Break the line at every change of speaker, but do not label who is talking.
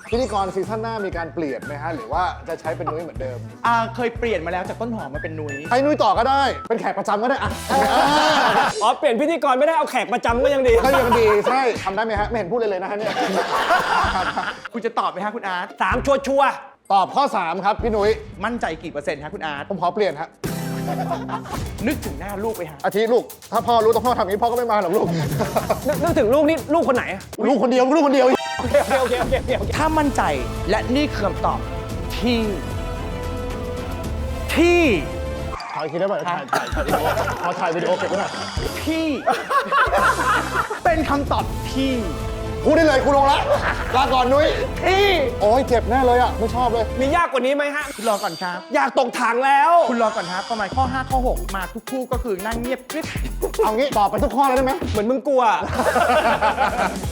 พิธีกรซีซั่นหน้ามีการเปลี่ยนไหมฮะหรือว่าจะใช้เป็นนุ้ยเหมือนเดิม
เคยเปลี่ยนมาแล้วจากต้นหอมมาเป็นนุ้ย
ให้นุ้ยต่อก็ได้เป็นแขกประจำก็ได้อะ
อ๋อเปลี่ยนพิธีกรไม่ได้เอาแขกประจำก็ยังดี
ก็ยังดีใช่ทำได้ไหมฮะไม่เห็นพูดเลยนะฮะเนี่ย
คุณจะตอบไหมฮะคุณอาร์ต
3 ชัวร์
ตอบข้อ 3 ครับพี่นุ้ย
มั่นใจกี่เปอร์เซ็นต์ฮะคุณอาร์ต
ผมขอเปลี่ยนฮะ
นึกถึงหน้าลูกไปฮะ
อาทิลูกถ้าพ่อรู้ต้องพ่อทำอย่างนี้พ่อก็ไม่มาหรอกลูก
นึกถึงลูกนี่ลูกคนไหนอะ
ลูกคนเดียวลูกคนเดียว
โอเค
ถ้ามั่นใจและนี่คือคำตอบที่
ถ่ายอีกทีได้ไหมถ่ายขอถ่ายวิดีโอเก็บไว้หน่อย
ที่ เป็นคำตอบที่
พูดได้เลยคุณลงละลาก่อนนุ้ย
ที่
โอ้ยเจ็บแน่เลยอ่ะไม่ชอบเลย
มียากกว่านี้ไหมฮะ
คุณรอก่อนครับ
อยากตกถังแล้ว
คุณรอก่อนครับ ประมาณข้อ 5 ข้อ 6 มาทุกคู่ก็คือนั่งเงียบกริบ
เอางี้ตอบไปทุกข้อเลยได้ไหม
เหมือนมึงกลัว